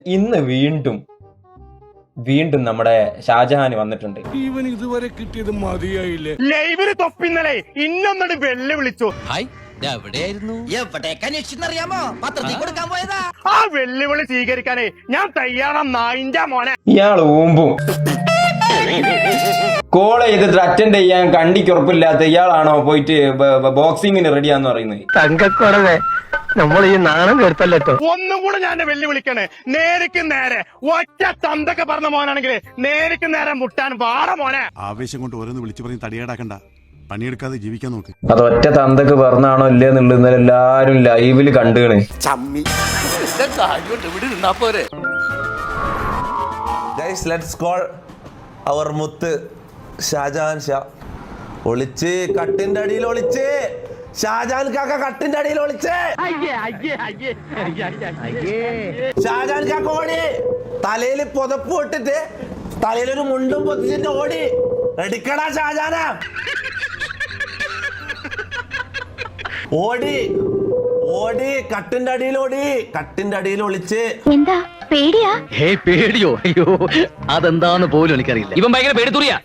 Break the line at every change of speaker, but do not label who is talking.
ഇന്ന് വീണ്ടും നമ്മുടെ ഷാജഹാൻ വന്നിട്ടുണ്ട്.
ഇവൻ ഇതുവരെ കിട്ടിയത് മതിയായില്ലേ?
ലൈവില് തൊപ്പിന്നലെ ഇന്നൊന്നോട് വെല്ല് വിളിച്ചു. ആ വെല്ലുവിളി സ്വീകരിക്കാനേ ഞാൻ തയ്യാറാ നായിന്റെ മോനെ.
ഇയാൾ ഊമ്പും കോൾ ചെയ്തിട്ട് അറ്റൻഡ് ചെയ്യാൻ കണ്ടിക്ക് ഉറപ്പില്ലാത്ത ഇയാളാണോ പോയിട്ട് ബോക്സിങ്ങിന് റെഡിയാന്ന് പറയുന്നത്?
തങ്കക്കുറവേ, നമ്മൾ ഈ നാണം കേട്ടല്ലോ.
ഒന്നും കൂടെ ഞാൻ വെല്ലുവിളിക്കണേ. നേരിക്ക് നേരെ ഒറ്റ തന്തൊക്കെ പറഞ്ഞ മോനാണെങ്കിൽ നേരിക്ക് നേരെ മുട്ടാൻ വാട മോനെ.
ആവേശം കൊണ്ട് ഓരോന്ന് വിളിച്ചു പറഞ്ഞ് തടിയേടാക്കണ്ട, പണിയെടുക്കാതെ ജീവിക്കാൻ നോക്ക്.
അത് ഒറ്റ തന്തൊക്കെ പറഞ്ഞാണോ ഇല്ലേ എന്നുള്ളത് ഇന്നലെ എല്ലാരും ലൈവില് കണ്ടുകണ്.
ഗൈസ്, ലെറ്റ്സ് കോൾ അവർ മുത്ത് ഷാജഹാൻ ഷാ. ഒളിച്ച് കട്ടിന്റെ അടിയിൽ ഒളിച്ച് ഷാജഹാൻ കാക്ക കട്ടിന്റെ അടിയിൽ ഒളിച്ച് ഷാജഹാൻ കാക്ക ഓടി തലയിൽ പുതപ്പ് ഇട്ടിട്ട് തലയിലൊരു മുണ്ടും പൊതിച്ചിട്ട് ഓടി. എടുക്കടാ ഷാജഹാന, ഓടി ഓടി കട്ടിന്റെ അടിയിൽ ഓടി, കട്ടിന്റെ അടിയിൽ ഒളിച്ച്.
എന്താ പേടിയാ?
പേടിയോ? അയ്യോ, അതെന്താന്ന് പോലും എനിക്കറിയില്ല. ഇവൻ ഭയങ്കര പേടിത്തുറിയാ.